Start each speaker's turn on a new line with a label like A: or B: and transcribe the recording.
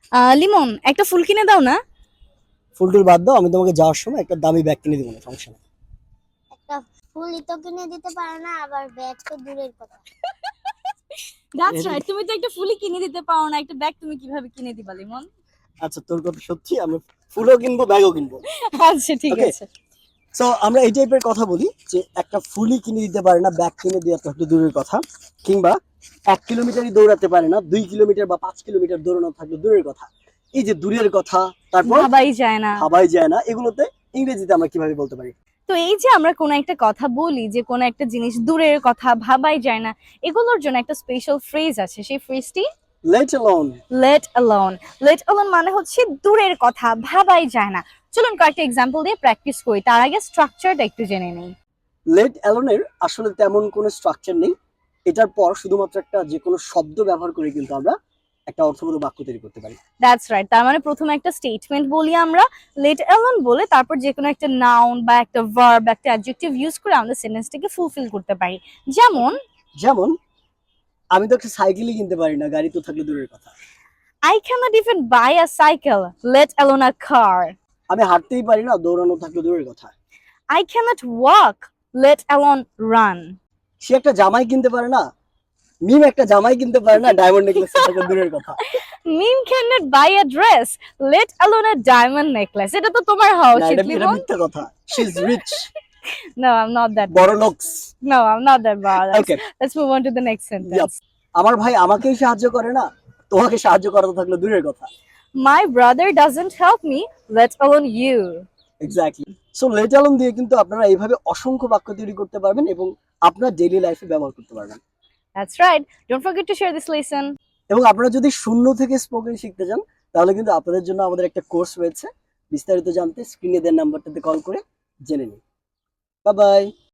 A: লিমন, একটা ফুল কিনে দাও না।
B: ফুলটুল বাদ দাও, আমি তোমাকে যাওয়ার সময় একটা দামি ব্যাগ কিনে দিব না, সমস্যা নেই।
C: একটা ফুলই তো কিনে দিতে পারে না, আবার ব্যাগ তো দূরের কথা।
A: দ্যাটস রাইট, তুমি তো একটা ফুলই কিনে দিতে পারো না, একটা ব্যাগ তুমি কিভাবে কিনে দিবা লিমন?
B: আচ্ছা, তোর কথা সত্যি, আমরা ফুলও কিনবো ব্যাগও কিনবো।
A: আচ্ছা ঠিক
B: ওকে,
A: আছে।
B: সো আমরা এই টাইপের কথা বলি যে একটা ফুলই কিনে দিতে পারে না, ব্যাগ কিনে দেওয়া তো একটু দূরের কথা, কিংবা 1 কিলোমিটারই দৌড়াতে পারে না, 2 কিলোমিটার বা 5 কিলোমিটার দৌড়ানো থাকলে দূরের কথা। এই যে দূরের কথা, তারপর
A: ভাবাই যায় না।
B: ভাবাই যায় না, এগুলোতে ইংরেজিতে আমরা কিভাবে বলতে পারি?
A: তো এই যে আমরা কোনো একটা কথা বলি, যে কোনো একটা জিনিস দূরের কথা, ভাবাই যায় না, এগুলোর জন্য একটা স্পেশাল ফ্রেজ আছে। সেই ফ্রেজটি
B: let alone.
A: Let alone. Let alone মানে হচ্ছে দূরের কথা, ভাবাই যায় না। চলুন কয়েকটা এক্সাম্পল দিয়ে প্র্যাকটিস করি, তার আগে স্ট্রাকচারটা একটু জেনে নেই।
B: লেট অ্যালোনের আসলে তেমন কোনো স্ট্রাকচার নেই। এটার পর শুধুমাত্র একটা যে কোনো শব্দ ব্যবহার করে কিন্তু আমরা একটা অর্থবোধ বাক্য তৈরি করতে পারি।
A: দ্যাটস রাইট, তার মানে প্রথমে একটা স্টেটমেন্ট বলি আমরা, লেট অ্যালোন বলে তারপর যে কোনো একটা নাউন বা একটা ভার্ব, একটা অ্যাডজেক্টিভ ইউজ করে আমরা সেন্টেন্সটাকে ফুলফিল করতে পারি। যেমন
B: যেমন, আমি তো একটা সাইকেলই কিনতে পারি না, গাড়ি তো থাকলে দূরের কথা।
A: I cannot even buy a cycle, let alone a car.
B: আমি হাঁটতেই পারি না, দৌড়ানো থাকলে দূরের কথা।
A: I cannot walk, let alone run.
B: সে একটা জামাই কিনতে পারে না, মিম একটা জামাই কিনতে পারে না, ডায়মন্ড নেকলেস থাকলে দূরের কথা।
A: Meme cannot buy a dress, let alone a diamond necklace. এটা তো তোমার হওয়া
B: না,
A: উচিত
B: এটা
A: লিমন।
B: মিথ্যা কথা। She is rich,
A: No, I'm not that
B: বড়
A: bad.
B: লোকস।
A: No, I'm not that bad.
B: Okay,
A: Let's move on to the next sentence.
B: আমার ভাই আমাকেই সাহায্য করে না, তোমাকে সাহায্য করা তো থাকলে দূরের কথা।
A: My brother doesn't help me, let alone you.
B: Exactly. So let alone দিয়ে কিন্তু আপনারা এইভাবে অসংখ্য বাক্য তৈরি করতে পারবেন এবং আপনার ডেইলি লাইফে ব্যবহার করতে পারবেন।
A: That's right. Don't forget to share this lesson.
B: এবং আপনারা যদি শূন্য থেকে স্পোকেন শিখতে চান, তাহলে কিন্তু আপনাদের জন্য আমাদের একটা কোর্স রয়েছে। বিস্তারিত জানতে স্ক্রিনে দেওয়া নাম্বারটাতে কল করে জেনে নিন। Bye by.